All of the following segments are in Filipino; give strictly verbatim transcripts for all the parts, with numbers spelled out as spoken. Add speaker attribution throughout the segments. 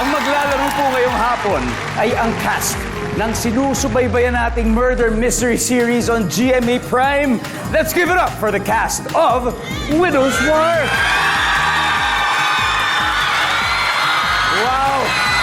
Speaker 1: Ang maglalaro po ngayong hapon ay ang cast ng sinusubaybayan nating murder mystery series on G M A Prime. Let's give it up for the cast of Widow's War. Wow!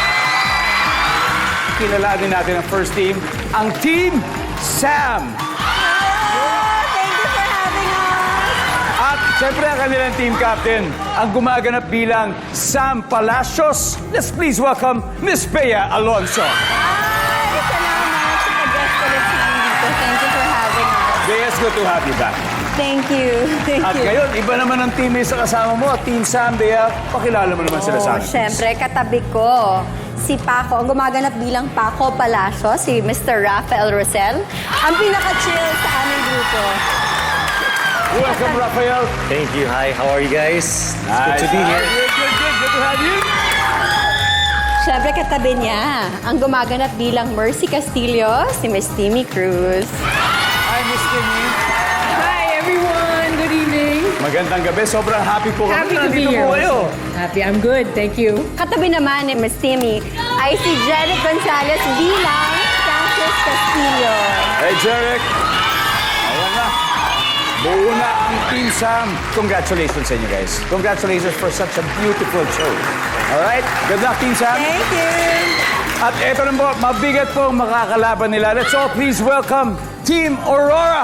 Speaker 1: Kilalanin natin ang first team, ang Team Sam.
Speaker 2: Thank you for having us.
Speaker 1: At siyempre ang kanilang team captain, ang gumaganap bilang Sam Palacios. Let's please welcome Miss Bea Alonso.
Speaker 2: Ay, salamat sa pag-guest ulit sa amin dito. Thank you for having us.
Speaker 1: Bea, it's good to have you back.
Speaker 2: Thank you. Thank
Speaker 1: At
Speaker 2: you.
Speaker 1: ngayon, iba naman ang teammate sa kasama mo. Team Sam, Bea, pakilala mo naman sila sa
Speaker 2: Oh,
Speaker 1: akin.
Speaker 2: syempre, katabi ko. Si Paco, ang gumaganap bilang Paco Palacio, si Mister Rafael Rosel, ang pinaka-chill sa aming grupo.
Speaker 1: Welcome, Rafael.
Speaker 3: Thank you. Hi, how are you guys? It's
Speaker 1: Nice.
Speaker 3: good to be here.
Speaker 1: Good, good, good. Good to have you.
Speaker 2: Syempre, katabi niya, ang gumaganap bilang Mercy Castillo, si Miss Timmy Cruz.
Speaker 1: Hi, Miss Timmy.
Speaker 4: Hi everyone, good evening.
Speaker 1: Magandang gabi. Sobrang happy po kami.
Speaker 4: Happy to be
Speaker 1: Nandito
Speaker 4: here.
Speaker 1: po kayo.
Speaker 4: Happy, I'm good, thank you.
Speaker 2: Katabi naman ni Miss Timmy ay si Janet Gonzalez bilang Francis Castillo.
Speaker 1: Hey, Jeric. Ayan na. Buo na ang Team Sam. Congratulations sa inyo, guys. Congratulations for such a beautiful show. Alright? Good luck, Team Sam.
Speaker 2: Thank you.
Speaker 1: At eto na po, mabigat po ang makakalaban nila. Let's all please welcome Team Aurora.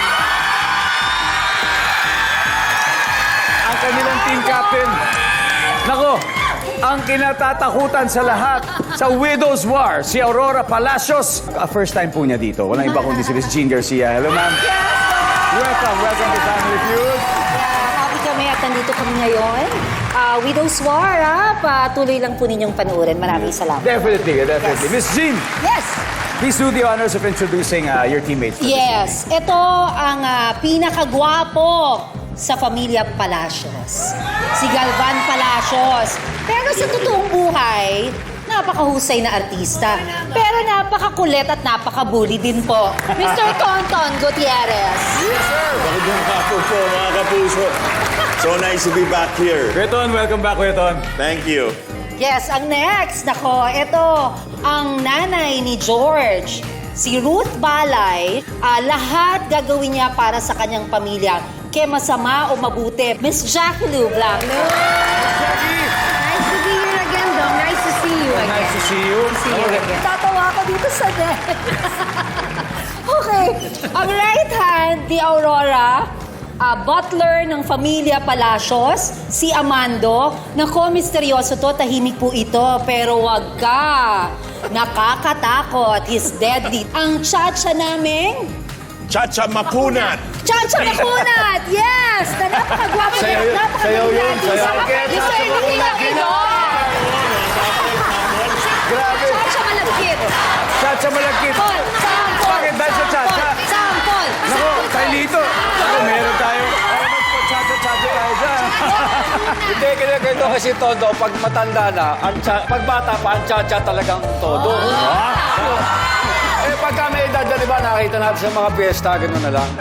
Speaker 1: Ang kanilang team captain. Nako, ang kinatatakutan sa lahat sa Widow's War, si Aurora Palacios. Uh, first time po niya dito. Walang iba kundi si Miss Jean Garcia. Hello, ma'am. Welcome, welcome to Family Feud.
Speaker 5: Happy kami at nandito kami ngayon. Uh, Widow's War, ah, patuloy lang po ninyong panuorin. Maraming salamat.
Speaker 1: Definitely, definitely. Miss Jean,
Speaker 5: Yes!
Speaker 1: please do the honors of introducing uh, your teammates.
Speaker 5: Yes, ito ang ah, pinakagwapo sa pamilya Palacios. Si Galvan Palacios. Pero sa totoong buhay, napakahusay na artista. Pero napakakulit at napakabully din po. Mister Tonton Gutierrez.
Speaker 6: Yes, sir. Magandang hapon po, mga kapuso. So nice to be back here.
Speaker 1: Kuya welcome back, Kuya
Speaker 6: Thank you.
Speaker 5: Yes, ang next, nako, ito, ang nanay ni George, si Ruth Balay, ah, lahat gagawin niya para sa kanyang pamilya, kaya masama o mabuti. Miss Jackie Lou Blanco.
Speaker 1: Jackie!
Speaker 4: Nice to be here again, Dong. Nice to see you again.
Speaker 1: Nice to see you.
Speaker 4: See you again.
Speaker 5: Tatawa ako dito sa net. Okay, ang right hand ni Aurora, ah, butler ng pamilya Palacios, si Amando. Nako, misteryoso to, tahimik po ito, pero wag ka. Nakakatakot, he's deadly. Ang chacha naming
Speaker 6: Chacha Makunat.
Speaker 5: Chacha Makunat! Yes! Na napakagwapo
Speaker 1: Sayaw yun. Sayaw yun. Sayaw.
Speaker 5: Gusto hindi lang ito.
Speaker 1: Grabe.
Speaker 5: Chacha Malagkit.
Speaker 1: Chacha malagkit.
Speaker 5: Paul, sample.
Speaker 1: Bakit dahil sa chacha?
Speaker 5: Sample.
Speaker 1: Nako, tayo dito. Nako, meron tayo. Ay, magpa-chacha-chacha tayo dyan.
Speaker 7: Hindi, ganyan ganito kasi todo. Pag matanda na, ang cha- pag bata pa, ang cha-cha talagang todo. Eh, pagka may edad na, di ba, nakita natin sa mga piyesta, gano'n na lang.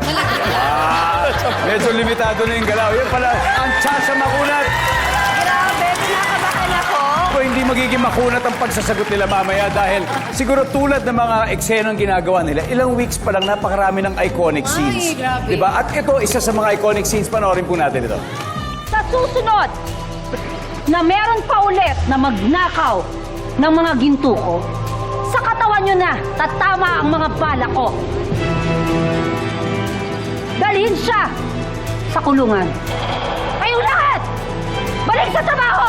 Speaker 1: Medyo limitado na yung galaw. Yan pala, ang chacha makunat.
Speaker 2: Grabe, pinakabakan ako.
Speaker 1: Kung hindi magiging makunat ang pagsasagot nila mamaya dahil siguro tulad ng mga eksenang ginagawa nila, ilang weeks pa lang napakarami ng iconic scenes.
Speaker 4: grabe.
Speaker 1: Diba? At ito, isa sa mga iconic scenes, panoorin po natin ito.
Speaker 8: Sa susunod na meron pa ulit na magnakaw ng mga ginto ko, sa katawan nyo na tatama ang mga bala ko. Dalhin siya sa kulungan. Kayong lahat, balik sa trabaho!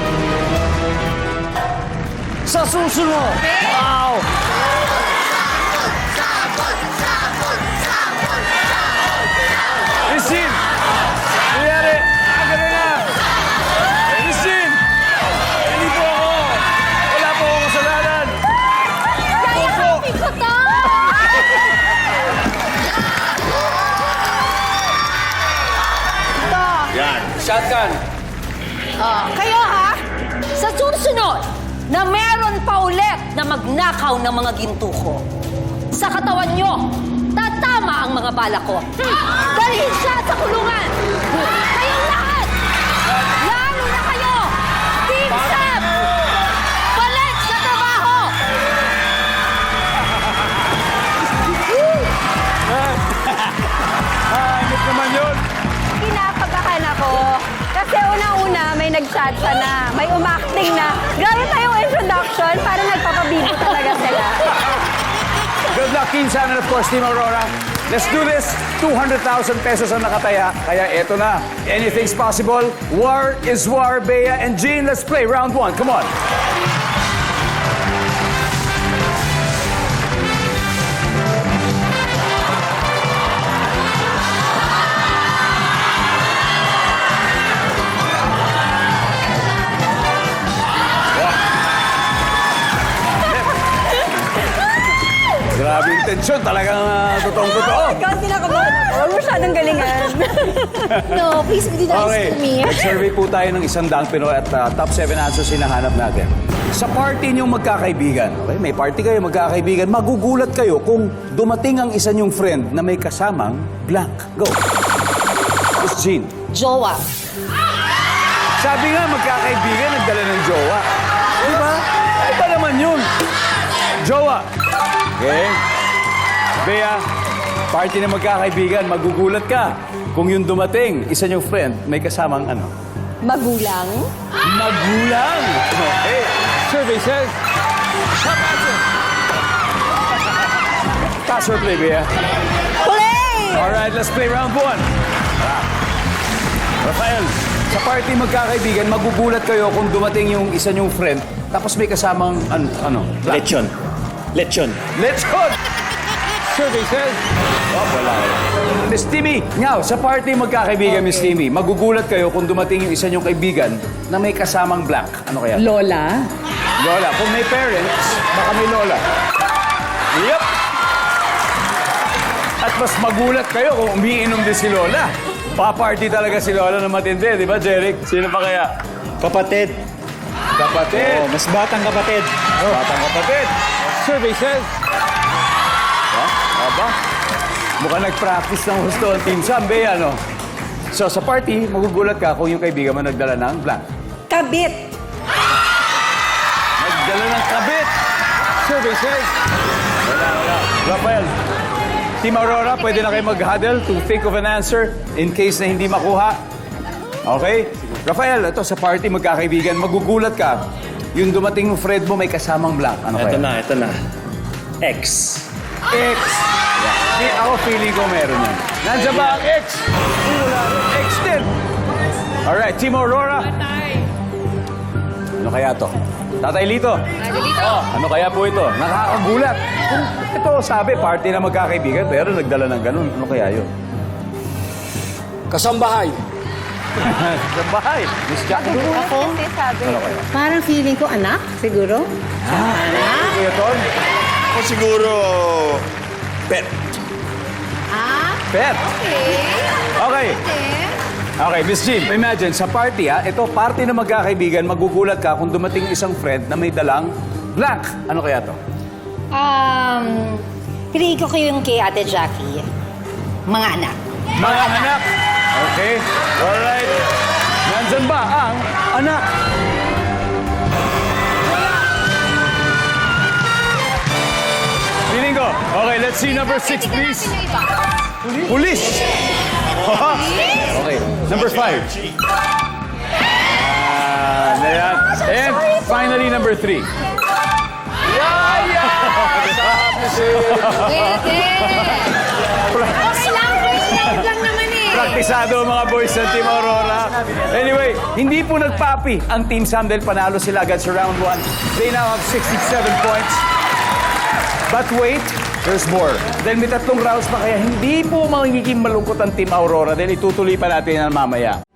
Speaker 1: Sa susunod! Wow! Miss Jean! Nangyari! Ang gano'n na! Miss Jean! Hindi po ako! Wala po akong kasalanan! Opo!
Speaker 2: Ikaw to!
Speaker 6: Yan.
Speaker 7: Shotgun.
Speaker 5: Ah, kayo ha, sa susunod na meron pa ulit na magnakaw ng mga ginto ko, sa katawan nyo, tatama ang mga bala ko. Hmm. Dalhin siya sa kulungan. Kayong lahat, lalo na kayo, Team Sam!
Speaker 2: chacha na. May umacting na. Grabe pa yung introduction. Parang nagpapabibo talaga sila.
Speaker 1: Good luck, Team Sam, and of course, Team Aurora. Let's do this. two hundred thousand pesos ang nakataya. Kaya eto na. Anything's possible. War is war, Bea and Jean. Let's play round one. Come on. Grabe yung tensyon. Talagang uh, totoong-totoo.
Speaker 2: Ikaw ang kinakabahan ako. Huwag masyadong galingan.
Speaker 5: No, please be nice
Speaker 1: Okay,
Speaker 5: to me.
Speaker 1: survey po tayo ng isang daang Pinoy at uh, top seven answers hinahanap natin. Sa party niyong magkakaibigan, okay, may party kayo magkakaibigan, magugulat kayo kung dumating ang isa niyong friend na may kasamang blank. Go. Miss Jean.
Speaker 5: Jowa.
Speaker 1: Sabi nga, magkakaibigan, nagdala ng jowa. Di ba? Iba naman yun. Jowa. Okay. Bea, party na magkakaibigan, magugulat ka kung yung dumating, isa niyong friend, may kasamang ano?
Speaker 2: Magulang.
Speaker 1: Magulang. Okay. Survey says, top answer. Pass or play, Bea?
Speaker 2: Play!
Speaker 1: All right, let's play round one. Rafael, sa party magkakaibigan, magugulat kayo kung dumating yung isa niyong friend, tapos may kasamang, an, ano?
Speaker 3: Lechon. Lechon.
Speaker 1: Let's go! Survey says, oh, wala. Miss Timmy, ngaw, sa party magkakaibigan, Miss Timmy, magugulat kayo kung dumating yung isa niyong kaibigan na may kasamang blank. Ano kaya?
Speaker 4: Lola.
Speaker 1: Lola. Kung may parents, baka may lola. Yep. At mas magulat kayo kung umiinom din si Lola. Pa-party talaga si Lola na matindi, di ba, Jeric? Sino pa kaya?
Speaker 3: Kapatid.
Speaker 1: Kapatid.
Speaker 3: Oh, mas batang kapatid.
Speaker 1: Batang kapatid. Survey says... Ha? Aba? Mukhang nag-practice ng gusto ang Team Sam, Bea, no? So, sa party, magugulat ka kung yung kaibigan mo nagdala ng blank.
Speaker 2: Kabit.
Speaker 1: Nagdala ng kabit. Survey says... Wala, wala. Rafael, Team Aurora, pwede na kayo mag-huddle to think of an answer in case na hindi makuha. Okay? Rafael, ito sa party magkakaibigan, magugulat ka. Yung dumating ng friend mo may kasamang blank. Ano
Speaker 3: Ito
Speaker 1: kaya?
Speaker 3: na, ito na. X.
Speaker 1: X. Di, ako feeling ko meron yan. Nandiyan ba ang X? Wala rin. X din. Alright, Team Aurora. Ano kaya to? Tatay Lito. Tatay Lito. Oh, ano kaya po ito? Nakakagulat. Kung ito, sabi, party na magkakaibigan, pero nagdala ng ganun. Ano kaya yun?
Speaker 7: Kasambahay.
Speaker 1: Sa bahay. Miss Jackie.
Speaker 2: Ako? Kasi sabi.
Speaker 1: Ano kaya?
Speaker 4: Parang feeling ko anak, siguro.
Speaker 1: Ah, Kuya Ton?
Speaker 6: Ako siguro, pet.
Speaker 1: Pet. Okay. Okay, Miss Jean, imagine, sa party ha, ito, party na magkakaibigan, magugulat ka kung dumating isang friend na may dalang blank. Ano kaya to?
Speaker 5: Um, piliin ko kayo yung kay Ate Jackie. Mga anak.
Speaker 1: Mga anak. Okay. Alright. Nandyan ba ang anak? Feeling ko. Okay, let's see number six, please. Police. Okay, number five. Ah, na yan. And finally, number three.
Speaker 4: Okay lang, first round lang naman eh.
Speaker 1: Praktisado ang mga boys ng Team Aurora. Anyway, hindi po nagpapi ang Team Sam dahil panalo sila agad sa round one. They now have sixty-seven points. But wait, there's more. Dahil may tatlong rounds pa kaya hindi po magiging malungkot ang Team Aurora dahil itutuloy pa natin yan mamaya.